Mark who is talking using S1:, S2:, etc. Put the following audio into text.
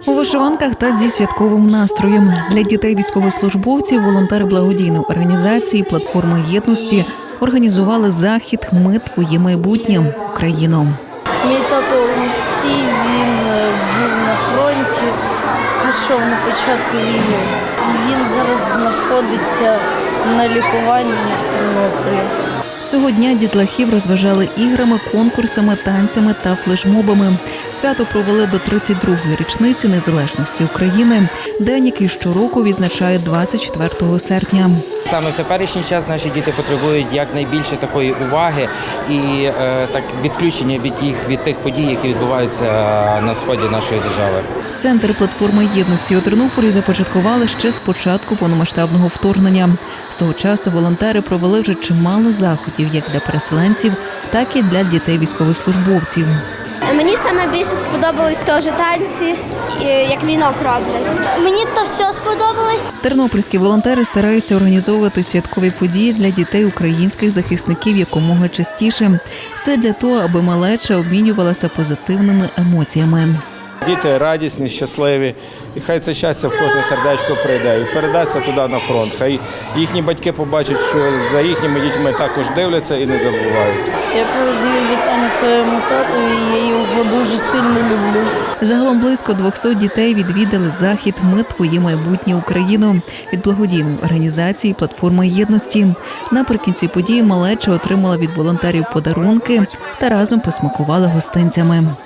S1: У вишиванках та зі святковим настроєм для дітей-військовослужбовців волонтери благодійної організації «Платформа єдності» організували захід «Ми – твоє майбутнє. Україно».
S2: Мій тато Олексій, він був на фронті, пішов на початку війни. І він зараз знаходиться на лікуванні в Тернополі.
S1: Цього дня дітлахів розважали іграми, конкурсами, танцями та флешмобами. Свято провели до 32-ї річниці незалежності України, день, який щороку відзначають 24 серпня.
S3: Саме в теперішній час наші діти потребують якнайбільше такої уваги і відключення від тих подій, які відбуваються на сході нашої держави.
S1: Центр «Платформи єдності» у Тернополі започаткували ще з початку повномасштабного вторгнення. З того часу волонтери провели вже чимало заходів як для переселенців, так і для дітей-військовослужбовців.
S4: Мені саме більше сподобались теж танці, як вінок роблять. Мені то все сподобалось.
S1: Тернопільські волонтери стараються організовувати святкові події для дітей українських захисників якомога частіше. Все для того, аби малеча обмінювалася позитивними емоціями.
S5: Діти радісні, щасливі, і хай це щастя в кожне сердечко прийде і передасться туди на фронт. Хай їхні батьки побачать, що за їхніми дітьми також дивляться і не забувають.
S2: Я передаю вітання своєму тату, і я його дуже сильно люблю.
S1: Загалом близько 200 дітей відвідали захід «Ми – твоє майбутнє. Україно» від благодійної організації «Платформа єдності». Наприкінці події малеча отримала від волонтерів подарунки та разом посмакували гостинцями.